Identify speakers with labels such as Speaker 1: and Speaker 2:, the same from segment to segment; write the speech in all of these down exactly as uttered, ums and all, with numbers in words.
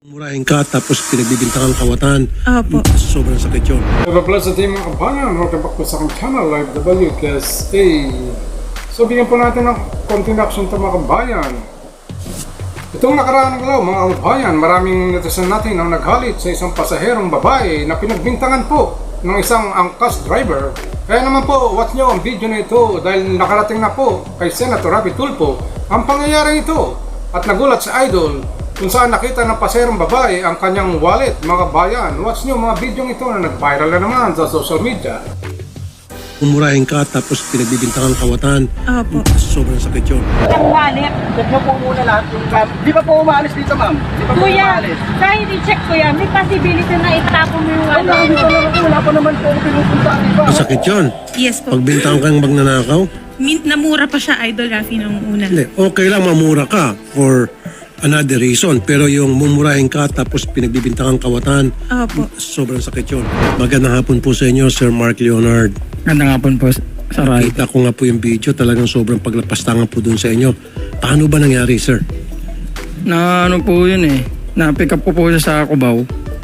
Speaker 1: Murahin ka tapos pinagbibintangan kawatan.
Speaker 2: Opo.
Speaker 1: Sobrang sakit yun.
Speaker 3: Have a blessed day mga kabayan. Welcome back po sa aking channel, Live W K S A. So bigyan po natin ng konting action ito mga kabayan. Itong nakaraang araw mga kabayan, maraming netizen natin ang naghalit sa isang pasaherong babae na pinagbintangan po ng isang angkas driver. Kaya naman po, watch nyo ang video na ito dahil nakarating na po kay Senator Rapi Tulfo ang pangyayari ito. At nagulat sa idol kung saan nakita ng paserong babae ang kanyang wallet, mga bayan. Watch nyo mga video ito na nag-viral na naman sa social media.
Speaker 1: Murahin ka tapos pinagbibintangan kawatan.
Speaker 2: Opo.
Speaker 1: Sobrang sakit yun.
Speaker 4: Ang wallet, check nyo po muna lahat yung cab. Di ba po umaalis dito, ma'am? Di ba po
Speaker 2: Kuya,
Speaker 4: umaalis?
Speaker 2: kahit i-check ko yan, may possibility na itapon mo yung
Speaker 4: Ang
Speaker 2: ano.
Speaker 4: dami talaga po, wala pa naman po ako pinupunta, di ba?
Speaker 1: Masakit yun.
Speaker 2: Yes po.
Speaker 1: Pagbintangan kang magnanakaw,
Speaker 2: Min- namura pa siya, Idol Rafi, nung una.
Speaker 1: hindi, okay lang mamura ka for another reason. Pero yung mumurahin ka tapos pinagbibintangan kawatan,
Speaker 2: Opo.
Speaker 1: sobrang sakit yun. Magandang hapon po sa inyo, Sir Mark Leonard.
Speaker 5: Ganda nga po po sa right.
Speaker 1: Kita ko nga po yung video, talagang sobrang paglapastangan po dun sa inyo. Paano ba nangyari, sir?
Speaker 5: Na ano po yun eh. Na-pick up ko po siya sa Cubao.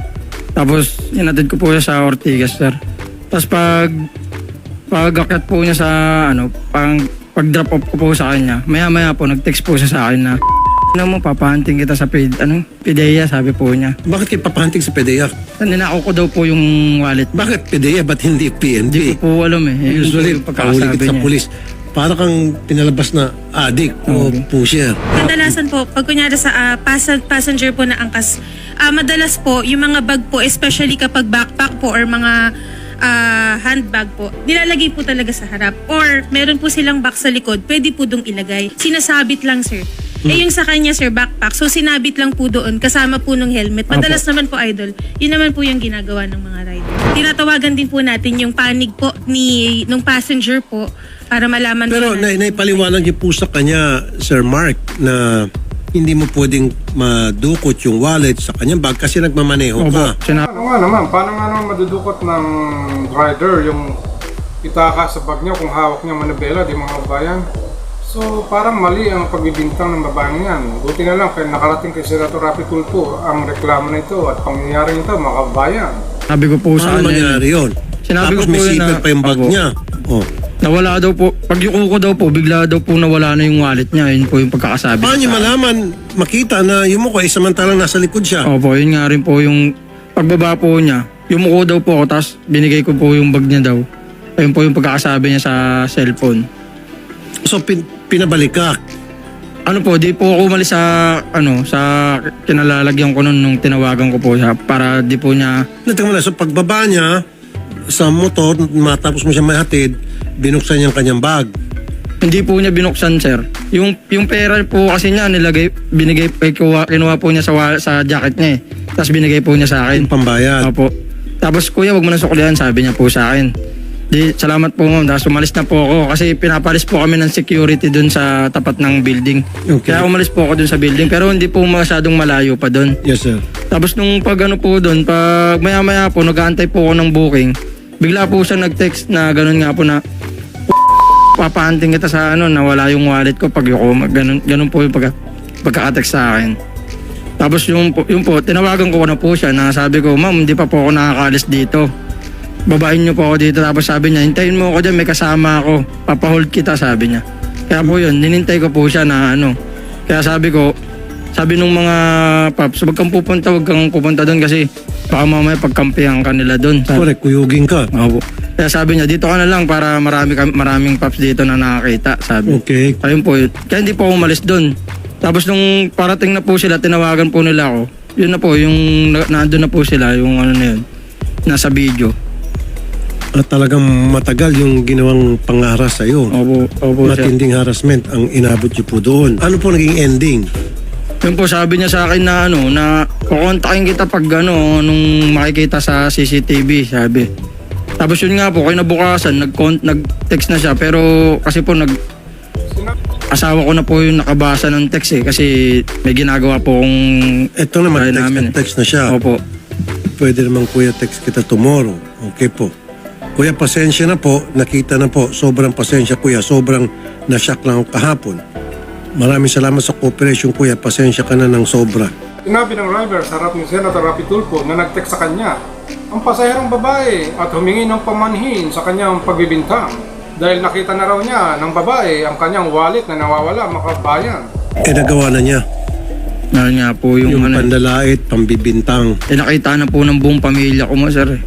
Speaker 5: Tapos inatid ko po siya sa Ortigas, sir. Tapos pag pag-akyat po niya sa ano, pang pag-drop off ko po sa kanya, maya-maya po nag-text po siya sa akin na ano mo, papahanting kita sa pid, ano, Pidea, sabi po niya.
Speaker 1: Bakit kayo papahanting sa P D E A?
Speaker 5: Ninakaw ko daw po yung wallet.
Speaker 1: Bakit P D E A? Ba't hindi P N
Speaker 5: Hindi
Speaker 1: B?
Speaker 5: ko po alam eh. Yun
Speaker 1: Usually,
Speaker 5: po yung
Speaker 1: pahuli
Speaker 5: pagkakasabi
Speaker 1: kita sa
Speaker 5: niya.
Speaker 1: pulis. Para kang pinalabas na addict o
Speaker 5: Okay.
Speaker 1: pusher.
Speaker 2: Kadalasan po, pag kunyari sa ah, pas- passenger po na angkas, ah, madalas po, yung mga bag po, especially kapag backpack po or mga ah, handbag po, nilalagay po talaga sa harap. Or meron po silang box sa likod, pwede po dong ilagay. Sinasabit lang, sir. Eh yung sa kanya, sir, backpack, so sinabit lang po doon, kasama po ng helmet. Madalas naman po, Idol, yun naman po yung ginagawa ng mga rider. Tinatawagan din po natin yung panig po ni nung passenger po para malaman
Speaker 1: Pero
Speaker 2: po
Speaker 1: na,
Speaker 2: natin.
Speaker 1: naipaliwanag niyo po sa kanya, Sir Mark, na hindi mo pwedeng madukot yung wallet sa kanyang bag kasi nagmamaneho
Speaker 5: Opo,
Speaker 1: ka.
Speaker 5: sinabi
Speaker 3: Ano nga naman, paano nga naman madudukot ng rider yung itaka sa bag niya kung hawak niya manabela, di mga kabayan? So parang mali ang pagbibintang ng babaeng yan. Buti na lang kaya nakarating kay Senator Rapi Tulfo ang reklamo na ito at pangyayari nito mga kabayan.
Speaker 5: sabi ko po sa
Speaker 1: Paano
Speaker 5: kanya.
Speaker 1: mangyari yun?
Speaker 5: Sinabi
Speaker 1: Tapos
Speaker 5: ko po
Speaker 1: may
Speaker 5: yun
Speaker 1: zipper
Speaker 5: na-
Speaker 1: pa yung bag
Speaker 5: Opo.
Speaker 1: niya. Oh.
Speaker 5: Nawala daw po, pag yuko ko daw po, bigla daw po nawala na yung wallet niya. Yun po yung pagkakasabi.
Speaker 1: Paano niyo
Speaker 5: sa akin.
Speaker 1: malaman, makita na yung mukha ay samantalang nasa likod siya?
Speaker 5: Opo, yun nga rin po yung pagbaba po niya. Yumuko daw po ako, tapos binigay ko po yung bag niya daw. Ayun po yung pagkakasabi niya sa cellphone.
Speaker 1: So pin- pinabalik ka.
Speaker 5: Ano po, di po ako umalis sa, ano, sa kinalalagyan ko nun nung tinawagan ko po siya para di po niya,
Speaker 1: Natingnan mo na, so pagbaba niya sa motor, matapos mo siya mahatid, binuksan niya ang kanyang bag.
Speaker 5: hindi po niya binuksan, sir. Yung, yung pera po kasi niya, nilagay, binigay, eh, kinuha, kinuha po niya sa, wa- sa jacket niya eh. Tapos binigay po niya sa akin.
Speaker 1: Yung pambayad.
Speaker 5: Opo. Tapos kuya, wag mo na suklihan, sabi niya po sa akin. Di, salamat po ma'am. Tapos umalis na po ako kasi pinapalis po kami ng security dun sa tapat ng building.
Speaker 1: Okay.
Speaker 5: Kaya umalis po ako dun sa building pero hindi po masyadong malayo pa dun.
Speaker 1: Yes, sir.
Speaker 5: Tapos nung pag ano po dun, pag maya maya po nag-aantay po ako ng booking, bigla po siya nag-text na ganun nga po na papahanting kita sa ano, nawala yung wallet ko pag yuko, ganun, ganun po yung pagka, pagka-text sa akin. Tapos yung, po- yung po, tinawagan ko na po siya na sabi ko, ma'am, hindi pa po ako nakakaalis dito. Babahin niyo po ako dito. Tapos sabi niya, hintayin mo ako dyan, may kasama ako. Papahold kita, sabi niya. Kaya po yun, ninintay ko po siya na ano. Kaya sabi ko, sabi nung mga paps, wag kang pupunta, wag kang pupunta doon kasi baka mamaya pagkampihan ka nila doon. Sabi,
Speaker 1: Correct, kuyugin ka.
Speaker 5: Opo. Kaya sabi niya, dito ka na lang para marami, kam- maraming paps dito na nakakita, sabi.
Speaker 1: Okay.
Speaker 5: Ayun po, yun. Kaya hindi po ako umalis doon. Tapos nung parating na po sila, tinawagan po nila ako. Yun na po, yung na- nandun na po sila, yung ano na yun, nasa video.
Speaker 1: At talagang matagal yung ginawang pangaras sa iyo.
Speaker 5: Opo, opo siya.
Speaker 1: Matinding harassment ang inabot niyo po doon. Ano po naging ending?
Speaker 5: Yun po, sabi niya sa akin na ano, na kukontakin kita pag ano, nung makikita sa C C T V, sabi. Tapos yun nga po, kinabukasan, nag nag-text na siya, pero kasi po nag asawa ko na po yung nakabasa ng text eh, kasi may ginagawa po kong
Speaker 1: Ito naman,
Speaker 5: Kaya
Speaker 1: text,
Speaker 5: namin eh.
Speaker 1: text na siya.
Speaker 5: opo.
Speaker 1: Pwede naman kuya text kita tomorrow. Okay po. Kuya, pasensya na po. Nakita na po. Sobrang pasensya kuya. Sobrang nashock lang ako kahapon. Maraming salamat sa cooperation kuya. Pasensya ka na ng sobra.
Speaker 3: Sinabi ng driver sa harap ni Senator Rapi Tulfo na nag-text sa kanya ang pasaherong babae at humingi ng pamanhin sa kanyang pagbibintang dahil nakita na raw niya ng babae ang kanyang wallet na nawawala, mga kabayan.
Speaker 1: Eh, nagawa na niya.
Speaker 5: Dahil nga po yung,
Speaker 1: Yung
Speaker 5: ano,
Speaker 1: pandalait, pambibintang.
Speaker 5: eh, nakita na po ng buong pamilya ko mo, sir. eh.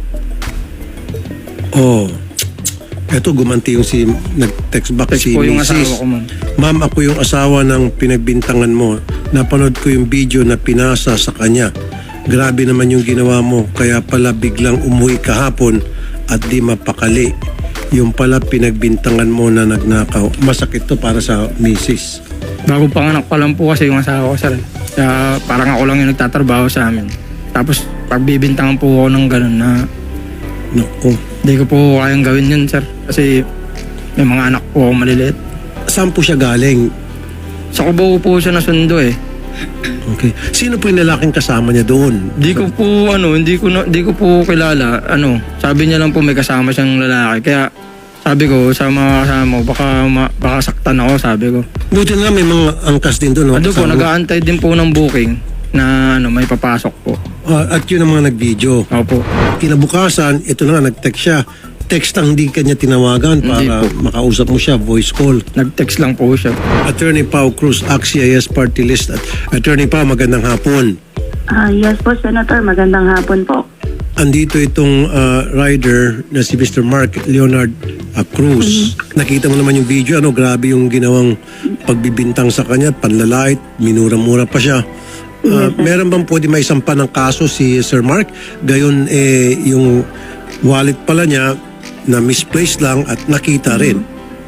Speaker 1: Oh. Eto, gumanti yung si, nag-text back
Speaker 5: Text
Speaker 1: si
Speaker 5: po yung
Speaker 1: Missus
Speaker 5: asawa ko, ma'am.
Speaker 1: Ma'am, ako yung asawa ng pinagbintangan mo. Napanood ko yung video na pinasa sa kanya. Grabe naman yung ginawa mo. Kaya pala biglang umuwi kahapon at di mapakali. Yung pala pinagbintangan mo na nagnakaw. Masakit to para sa Missus
Speaker 5: Bago panganak pa lang po kasi yung asawa ko, sir. Kaya parang ako lang yung nagtatrabaho sa amin. Tapos pagbibintangan po ako ng ganun na
Speaker 1: Naku.
Speaker 5: hindi ko po kayang gawin yun, sir. Kasi may mga anak po ako maliliit.
Speaker 1: Saan po siya galing?
Speaker 5: Sa Cubao po siya nasundo eh.
Speaker 1: Okay. Sino po yung lalaking kasama niya doon?
Speaker 5: Hindi ko po ano, hindi ko na, hindi ko po kilala. Ano, sabi niya lang po may kasama siyang lalaki. Kaya sabi ko sa mga kasama ko, baka ma, baka saktan ako, sabi ko.
Speaker 1: Buti na lang may mga angkas din doon.
Speaker 5: Ano po, nag-aantay din po ng booking na ano, may papasok po.
Speaker 1: Ah, at yun ang mga nag-video.
Speaker 5: Opo.
Speaker 1: Kinabukasan, ito na nga, nag-text siya. Text lang, hindi kanya tinawagan
Speaker 5: Hindi
Speaker 1: para
Speaker 5: po.
Speaker 1: makausap mo siya, voice call.
Speaker 5: Nag-text lang po siya.
Speaker 1: Attorney Pao Cruz, A C C I S Party List. At Attorney Pao, magandang hapon.
Speaker 6: Ah, yes po, Senator. Magandang hapon po.
Speaker 1: Andito itong ah, rider na si Mister Mark Leonard ah, Cruz. Nakita mo naman yung video, ano, grabe yung ginawang pagbibintang sa kanya, panlalait, minura-mura pa siya. Ah, meron bang pwede may sampa ng kaso si Sir Mark? Gayon, eh, yung wallet pala niya na misplaced lang at nakita rin.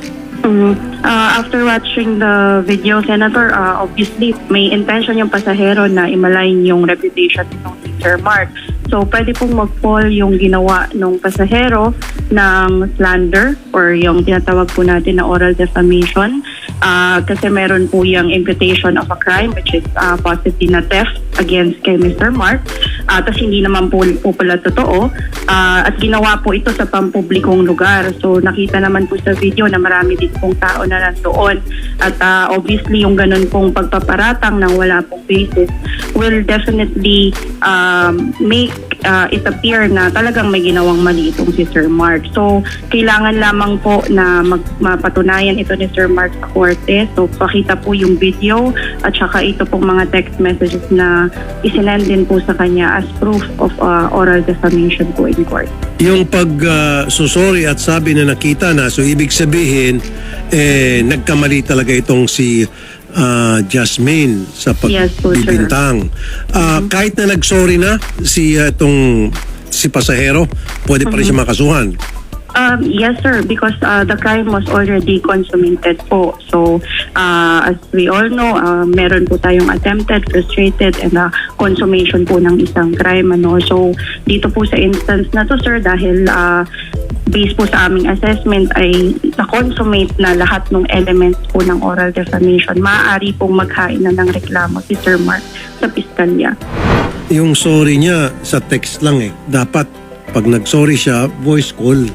Speaker 6: Mm, ah, after watching the video, Senator, ah, obviously may intention yung pasahero na imalain yung reputation ng si Sir Mark. So, pwede pong mag-fall yung ginawa ng pasahero ng slander or yung tinatawag po natin na oral defamation. Ah, kasi meron po yung imputation of a crime which is ah, possibly na theft against kay Mister Mark. Uh, Tapos hindi naman po, po pala totoo. Ah, at ginawa po ito sa pampublikong lugar. So nakita naman po sa video na marami din pong tao na nandoon. At ah, obviously yung ganun pong pagpaparatang ng wala pong basis will definitely um, make uh, it appear na talagang may ginawang mali itong si Sir Mark. So kailangan lamang po na mag, mapatunayan ito ni Sir Mark sa korte. So pakita po yung video at saka ito pong mga text messages na isinend din po sa kanya as proof of uh, oral defamation po in court.
Speaker 1: Yung pag ah, susori at sabi na nakita na, so ibig sabihin, eh, nagkamali talaga itong si ah, Jasmine sa
Speaker 6: Yes po, sir.
Speaker 1: pagbibintang. Ah, Kahit na nagsorry na si ah, itong si pasahero, pwede pa rin siya makasuhan.
Speaker 6: Um, yes, sir, because uh, the crime was already consummated po. So, uh, as we all know, uh, meron po tayong attempted, frustrated, and uh, consummation po ng isang crime. Ano? So, dito po sa instance na to, sir, dahil uh, based po sa aming assessment ay na-consummate na lahat ng elements po ng oral defamation, maaari pong maghain na ng reklamo si Sir Mark sa piskalya.
Speaker 1: Yung sorry niya sa text lang eh. Dapat pag nag-sorry siya, voice call.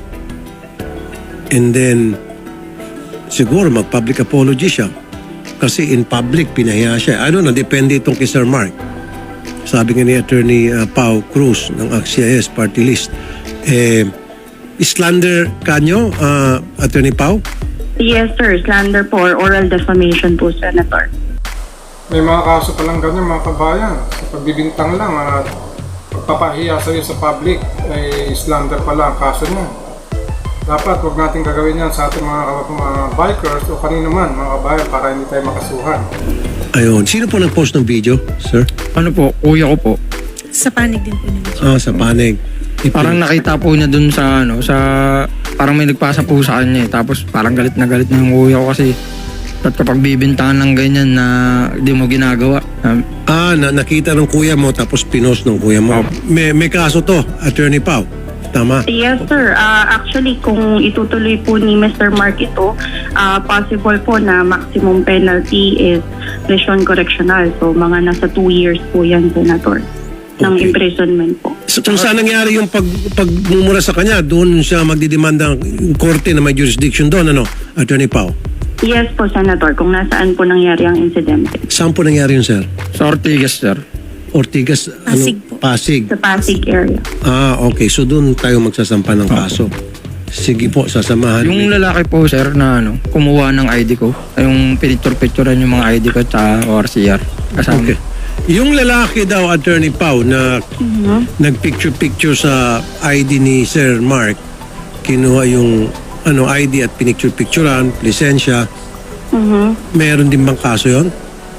Speaker 1: And then, siguro mag-public apology siya. Kasi in public, pinahiya siya. I don't know, depende itong kay Sir Mark. Sabi nga ni Attorney uh, Pao Cruz ng A C C I S Party List. Eh, slander kanyo, uh, Attorney Pao?
Speaker 6: Yes, sir, slander po or oral defamation po, Senator.
Speaker 3: May mga kaso palang ganyan, mga kabayan. Sa pagbibintang lang at pagpapahiya sa iyo sa public ay slander pala ang kaso niya. Dapat huwag natin gagawin yan sa ating mga, mga bikers o kanino man, mga kabayan, para hindi tayo makasuhan.
Speaker 1: Ayun. Sino po nag-post ng video, sir?
Speaker 5: Ano po, kuya ko po.
Speaker 2: Sa panig din po nila.
Speaker 1: Ah, sa panig.
Speaker 5: Parang nakita po niya dun sa ano, sa parang may nagpasa po sa kanya eh. Tapos parang galit na galit na yung kuya ko kasi at kapag bibintangan ng ganyan na di mo ginagawa. Um,
Speaker 1: Ah, na, nakita ng kuya mo tapos pinost ng kuya mo. May, may kaso to, Attorney Pao. Tama.
Speaker 6: Yes, sir. Uh, actually, kung itutuloy po ni Mister Mark ito, uh, possible po na maximum penalty is lesion correctional. So, mga nasa two years po yan, Senator, ng
Speaker 1: Okay.
Speaker 6: imprisonment po.
Speaker 1: So, kung saan nangyari yung pag, pagmumura sa kanya, doon siya magdidemanda ng korte na may jurisdiction doon, ano, Attorney Pao?
Speaker 6: Yes po, Senator, kung nasaan po nangyari ang insidente.
Speaker 1: Saan po nangyari yun, sir?
Speaker 5: sa Ortigas, sir.
Speaker 1: Ortigas,
Speaker 2: Pasig
Speaker 1: ano?
Speaker 2: po.
Speaker 1: Pasig.
Speaker 6: Sa Pasig area.
Speaker 1: Ah, okay. So doon tayo magsasampa ng kaso. Sige po, sasamahan.
Speaker 5: Yung lalaki po sir na ano, kumuha ng I D ko, yung pinicture-picturean yung mga I D ko sa O R C R. Kasama.
Speaker 1: Okay. Yung lalaki daw, Attorney Pau, na nagpicture-picture sa I D ni Sir Mark, kinuha yung ano I D at pinicture-picturean, lisensya,
Speaker 6: Mhm.
Speaker 1: meron din bang kaso yon?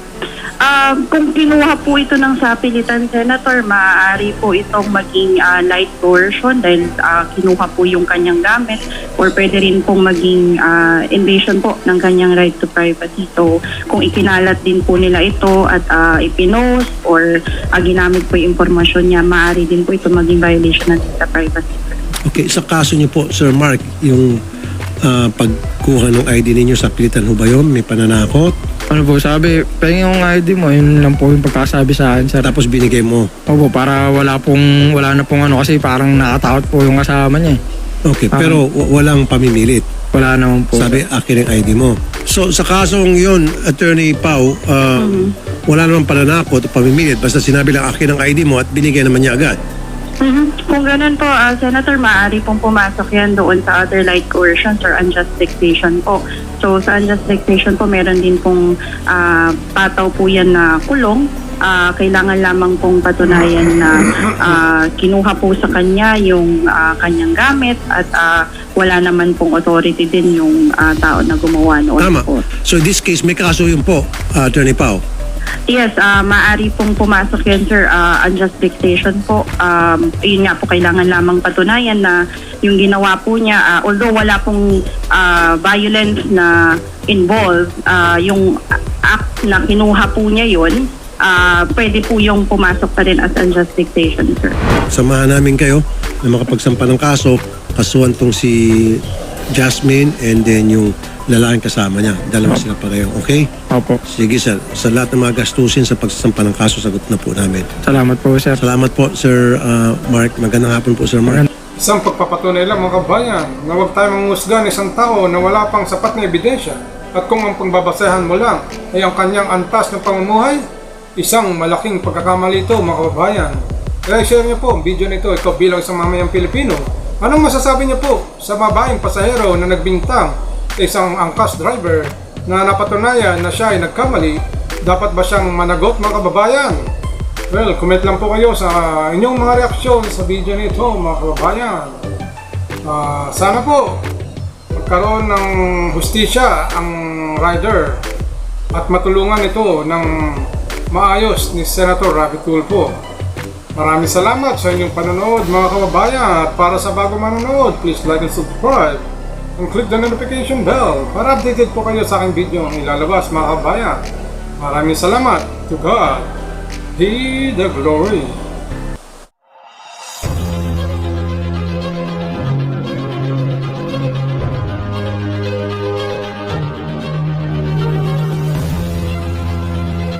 Speaker 6: Ah, kung kinuha po ito ng sapilitan, Senator, maaari po itong maging ah, light coercion dahil ah, kinuha po yung kanyang gamit, or pwede rin pong maging ah, invasion po ng kanyang right to privacy. So kung ikinalat din po nila ito at ah, ipinost or ah, ginamit po yung impormasyon niya, maaari din po ito maging violation ng data privacy.
Speaker 1: Okay, sa kaso niyo po, Sir Mark, yung ah, pagkuha ng I D ninyo sa pilitan ho ba yun? May pananakot?
Speaker 5: Ano po, sabi, pahingin yung I D mo, yun lang po yung pagkasabi sa akin sir.
Speaker 1: Tapos binigay mo.
Speaker 5: Opo, para wala pong, wala na pong ano, kasi parang nakatakot po yung kasama niya eh.
Speaker 1: Okay, pero w- walang pamimilit.
Speaker 5: Wala naman po.
Speaker 1: Sabi, akin ang I D mo. So, sa kasong yun, Attorney Pau, ah, wala namang pananakot o pamimilit. Basta sinabi lang, akin ang I D mo at binigay naman niya agad.
Speaker 6: Mhm. Kung ganun po, ah, Senator, maaari pong pumasok yan doon sa other light coercions or unjust dictation po. So sa unjust dictation po, meron din pong ah, pataw po yan na kulong. Ah, kailangan lamang pong patunayan na ah, kinuha po sa kanya yung ah, kanyang gamit at ah, wala naman pong authority din yung ah, tao na gumawa noon
Speaker 1: Tama.
Speaker 6: po.
Speaker 1: So, in this case, may kaso yun po, ah, Attorney Pau.
Speaker 6: Yes, ah maaari pong pumasok yan, sir. Ah, unjust dictation po. Um, yun nga po, kailangan lamang patunayan na yung ginawa po niya, ah, although wala pong ah, violence na involved, ah, yung act na kinuha po niya yun, ah, pwede po yung pumasok pa rin as unjust dictation, sir.
Speaker 1: Samahan namin kayo na makapagsampa ng kaso. Kasuhan tong si Jasmine and then yung lalaking kasama niya. Dalawa sila pareho. Okay?
Speaker 5: Opo.
Speaker 1: Sige, sir. Sa lahat ng mga gastusin sa pagsasampa ng kaso, sagot na po namin.
Speaker 5: Salamat po sir.
Speaker 1: Salamat po, Sir ah, Mark. Magandang hapon po, Sir Mark.
Speaker 3: Isang pagpapatunay lang mga kabayan na huwag tayo manghusga ng isang tao na wala pang sapat na ebidensya at kung ang pangbabasehan mo lang ay ang kanyang antas ng pamumuhay, isang malaking pagkakamali ito mga kababayan. Kaya share niyo po ang video nito, ikaw bilang isang mamayang Pilipino. Anong masasabi niyo po sa babaeng pasahero na nagbintang sa isang angkas driver na napatunayan na siya ay nagkamali? Dapat ba siyang managot mga kababayan? Well, comment lang po kayo sa inyong mga reaksyon sa video nito mga kababayan. Ah, sana po magkaroon ng hustisya ang rider at matulungan ito ng maayos ni Senator Raffy Tulfo. Maraming salamat sa inyong panonood mga kababayan, at para sa bago manonood, please like and subscribe and click the notification bell para updated po kayo sa aking video ang ilalabas mga kababayan. Maraming salamat. To God be the glory.